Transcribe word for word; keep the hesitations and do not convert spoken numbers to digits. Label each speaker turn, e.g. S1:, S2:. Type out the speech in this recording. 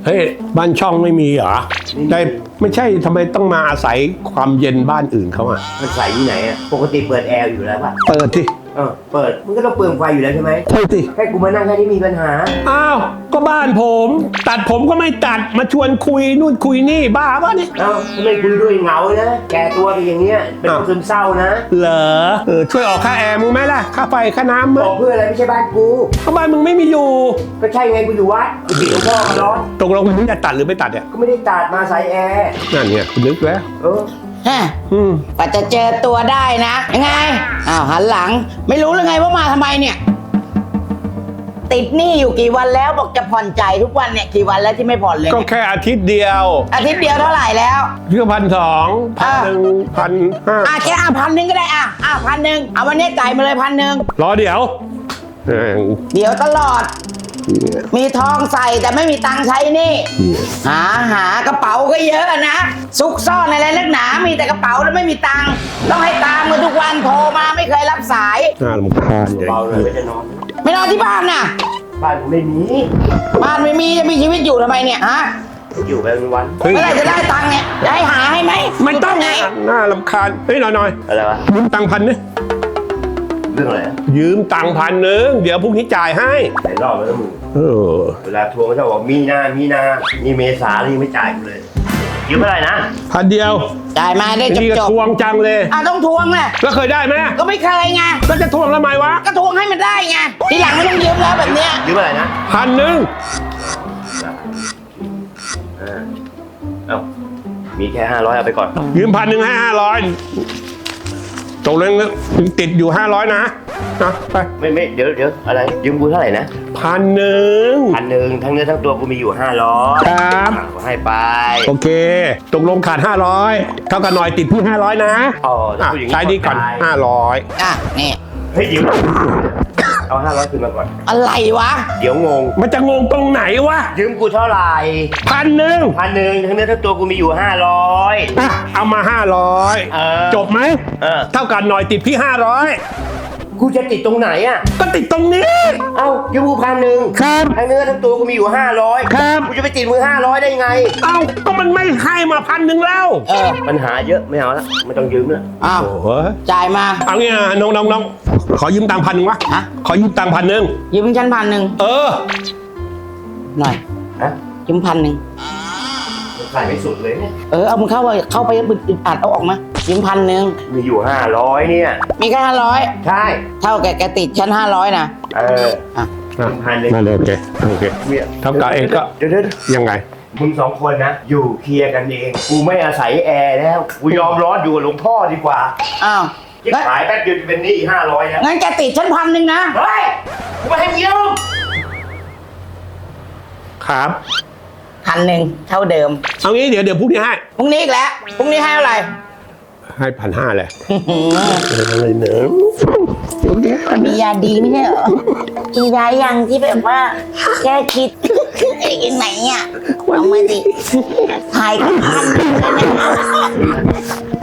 S1: เฮ้ยบ้านช่องไม่มีเหรอได้ไม่ใช่ทำไมต้องมาอาศัยความเย็นบ้านอื่นเขาอ่ะ
S2: มันใส่ที่ไหนอ่ะปกติเปิดแอร์อยู่แล้วป่ะ
S1: เปิดที่
S2: เออเปิดมันก็ต้องเปลืองไฟอยู่แล้วใช่ไหม
S1: ใช่สิ
S2: แค่กูมานั่งแค่นี้มีปัญหา
S1: อ้าวก็บ้านผมตัดผมก็ไม่ตัดมาชวนคุยนู่นคุยนี่บ้าป่ะเนี่ย
S2: เอ้าทำไมคุยด้วยเหงานะแกตัวเป็นอย่างเงี้ยเป็นซึมเศร้านะ
S1: เหรอเออช่วยออกค่าแอร์มึงไหมล่ะค่าไฟค่าน้ำมั้ย
S2: ออกเพื่ออะไรไม่ใช่บ้านกู
S1: ก็บ้านมึงไม่มีอยู่
S2: ก็ใช่ไงกูอยู่วัดกูติดหลวงพ่อมาร้อน
S1: ตกลงมึงจะตัดหรือไม่ตัดเนี่ย
S2: ก็ไม่ได้ตัดมาใส่แอร์
S1: นั่นเนี่ยนึกแล้ว
S2: เออ
S3: ฮะกว่าจะเจอตัวได้นะยังไงอ้าวหันหลังไม่รู้เลยไงว่ามาทำไมเนี่ยติดหนี้อยู่กี่วันแล้วบอกจะผ่อนจ่ายทุกวันเนี่ยกี่วันแล้วที่ไม่ผ่อนเลย
S1: ก็แค่อาทิตย์เดียว
S3: อาทิตย์เดียวเท่าไหร่แล้ว
S1: เพื่อพันสองพันหนึ่งพันห้า
S3: อ่ะแค่อ่ะพันหนึ่งก็ได้อ่ะอ่ะพันหนึ่งเอาวันนี้จ่ายมาเลยพันหนึ่ง
S1: รอเดี๋ยว
S3: เดี๋ยวตลอดมีทองใส่แต่ไม่มีตังค์ใช้นี่หาหากระเป๋าก็เยอะนะซุกซ่อนอะไรนักหนามีแต่กระเป๋าแล้วไม่มีตังค์ต้องให้ตามมาทุกวันโทรมาไม่เคยรับสาย
S1: น่ารำคาญ
S2: เบาเลยไม่จะนอน
S3: ไม่นอนที่บ้านน่ะ
S2: บ้านไม่มี
S3: บ้านไม่มีจะมีชีวิตอยู่ทำไมเนี่ยฮะ
S2: อยู่ไปวัน
S3: เมื่อไหร่จะได้ตังค์เนี่ยจะให้หาให้ไหม
S1: ไม่ต้องไงน่ารำคาญเฮ้ยหน่อยหน่อย
S2: อะไรวะ
S1: ยืมตังค์พันนึง
S2: เรื่องอะไร
S1: ยืมตังค์พันหนึ่งเดี๋ยวพรุ่งนี้จ่ายให้
S2: ไหนรอบแล้วมึง
S1: เออ
S2: เวลาทวงก็จะบอกมีนามีนานี่เมษานี่ไม่จ่ายกูเลยยืมเท่าไหร่นะ
S1: พันเดียว
S3: จ่ายมาได้จบจบ
S1: ทวงจังเลย
S3: อ่ะต้องทวงแหละ
S1: แล้วเคยได้ไหม
S3: ก็ไม่เคยไง
S1: แล้วจะทวงทำไมวะ
S3: ก็ทวงให้มันได้ไงทีหลังไม่ต้องยืมแล้วแบบเนี้ย
S2: ยืมอะไรนะ
S1: พันหนึ่ง
S2: เอ้ามีแค่ห้าร้อยเอาไปก่อน
S1: ยืมพันหนึ่งให้ห้าร้อยตกลงติดอยู่ห้าร้อยนะนะไป
S2: ไม่ไม่เดี๋ยวเดี๋ยวอะไรยืมกูเท่าไหร่นะ
S1: พันหนึ่ง
S2: พันหนึ่งทั้งเนื้อทั้งตัวกูมีอยู่ห้าร้อย
S1: ครับ
S2: ให้ไป
S1: โอเคตกลงขาดห้าร้อยเท่ากับหน่อยติดพี่ห้าร้อยนะ
S2: อ๋อ
S1: ใช้ดีก่อนห้าร้อย
S3: อ่ะนี่
S2: เฮ้ยเดี๋ยวเอาห้าร้อยคืนมาก่อน
S3: อะไรวะ
S2: เดี๋ยวงง
S1: มันจะงงตรงไหนวะ
S2: ยืมกูเท่าไหร่
S1: พันหนึ่ง
S2: พันหนึ่งทั้งเนื้อทั้งตัวกูมีอยู่ห้าร้อย
S1: เอามาห้าร้อยจบไหมเท่ากันหน่อยติดพี่ห้าร้อย
S2: กูจะติดตรงไหนอ่ะ
S1: ก็ติดตรงนี้
S2: เอ้ายืมกูพันหนึ่ง
S1: ครับ
S2: ทั้งเนื้อทั้งตัวกูมีอยู่ห้าร้อย
S1: ครับ
S2: กูจะไปติดมือห้าร้อยได้ไง
S1: เอ้าก็มันไม่ให้มาพันหนึ่งแล้ว
S2: เออปัญหาเยอะไม่เอาละไม่ต้องยืมแล้ว
S3: อ้าวจ่ายมา
S1: เอางี้นะน้องน้องน้องขอยืมตังค์พันหนึ่งวะฮะขอยืมตังค์พันหนึ่ง
S3: ยืมฉันพันหนึ่ง
S1: เออ
S3: หน่อย
S2: ฮะ
S3: ยืมพันหนึ่ง
S2: ขายไม่สุดเลยเนี่ย
S3: เออเอามึงเข้าไปเข้าไปอึดอัดเอาออกมายืมพันหนึ่ง
S2: มีอยู่ห้าร้อยเนี่ย
S3: มีแค่ห้าร้อย
S2: ใช่
S3: เท่าแกแกติดชั้นห้าร้อยนะ
S2: เอออ่ะพันหนึ่ง
S1: นั่นโอเคโอเคเท่ากับเองก็
S2: เดี๋ยว
S1: ยังไง
S2: มึงสองคนนะอยู่เคลียร์กันเองกูไม่อาศัยแอร์แล้วกูยอมร้อนอยู่กับหลวงพ่อดีกว่า
S3: อ้าว
S2: ขายแป๊บเดียวจะเป็นหนี้ห้าร้อยแล้ว
S3: งั้นแกติดชั้นพันหนึ่งนะ
S2: เฮ้ยกูไม่ให้ยืม
S1: ครับ
S3: พันหนึ่งเท่าเดิม
S1: เอางี้เดี๋ยวเดี๋ยวพรุ่งนี้ให้
S3: พรุ่งนี้อีกแล้วพรุ่งนี้ให้เท่าไหร่
S1: ให้พันห้าเลย
S3: อะไรเนอะมียาดีไม่ใช่เหรอกินยายังที่แบบว่าแก้คิดไอ้ไหนอ่ะเอามาดิถ่ายกันพันเลยนะ